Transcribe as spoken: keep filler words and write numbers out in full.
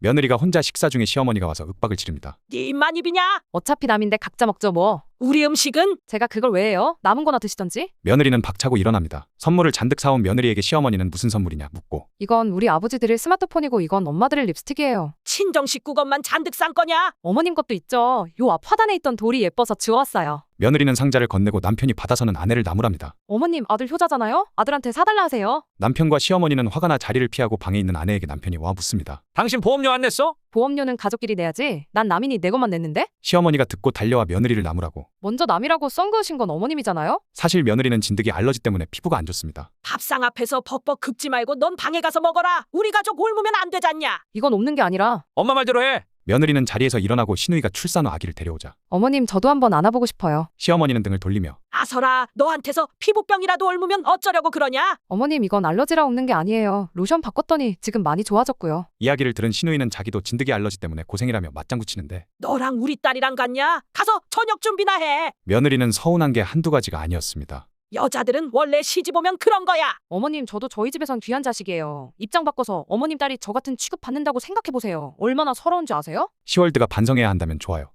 며느리가 혼자 식사 중에 시어머니가 와서 윽박을 지릅니다. 네 입만 입이냐? 어차피 남인데 각자 먹죠 뭐. 우리 음식은? 제가 그걸 왜 해요? 남은 거나 드시던지. 며느리는 박차고 일어납니다. 선물을 잔뜩 사온 며느리에게 시어머니는 무슨 선물이냐 묻고 이건 우리 아버지 드릴 스마트폰이고 이건 엄마 드릴 립스틱이에요. 친정 식구 것만 잔뜩 싼 거냐? 어머님 것도 있죠. 요 앞 화단에 있던 돌이 예뻐서 주워왔어요. 며느리는 상자를 건네고 남편이 받아서는 아내를 나무랍니다. 어머님 아들 효자잖아요? 아들한테 사달라 하세요. 남편과 시어머니는 화가 나 자리를 피하고 방에 있는 아내에게 남편이 와 묻습니다. 당신 보험료 안 냈어? 보험료는 가족끼리 내야지. 난 남인이 내 것만 냈는데? 시어머니가 듣고 달려와 며느리를 나무라고. 먼저 남이라고 썬 그으신 건 어머님이잖아요? 사실 며느리는 진드기 알러지 때문에 피부가 안 좋습니다. 밥상 앞에서 벅벅 긁지 말고 넌 방에 가서 먹어라. 우리 가족 옮으면 안 되잖냐? 이건 없는 게 아니라. 엄마 말대로 해. 며느리는 자리에서 일어나고 시누이가 출산 후 아기를 데려오자 어머님 저도 한번 안아보고 싶어요. 시어머니는 등을 돌리며 아서라, 너한테서 피부병이라도 옮으면 어쩌려고 그러냐? 어머님 이건 알러지라 없는 게 아니에요. 로션 바꿨더니 지금 많이 좋아졌고요. 이야기를 들은 시누이는 자기도 진드기 알러지 때문에 고생이라며 맞장구 치는데 너랑 우리 딸이랑 같냐? 가서 저녁 준비나 해. 며느리는 서운한 게 한두 가지가 아니었습니다. 여자들은 원래 시집 오면 그런 거야. 어머님 저도 저희 집에선 귀한 자식이에요. 입장 바꿔서 어머님 딸이 저 같은 취급 받는다고 생각해보세요. 얼마나 서러운지 아세요? 시월드가 반성해야 한다면 좋아요.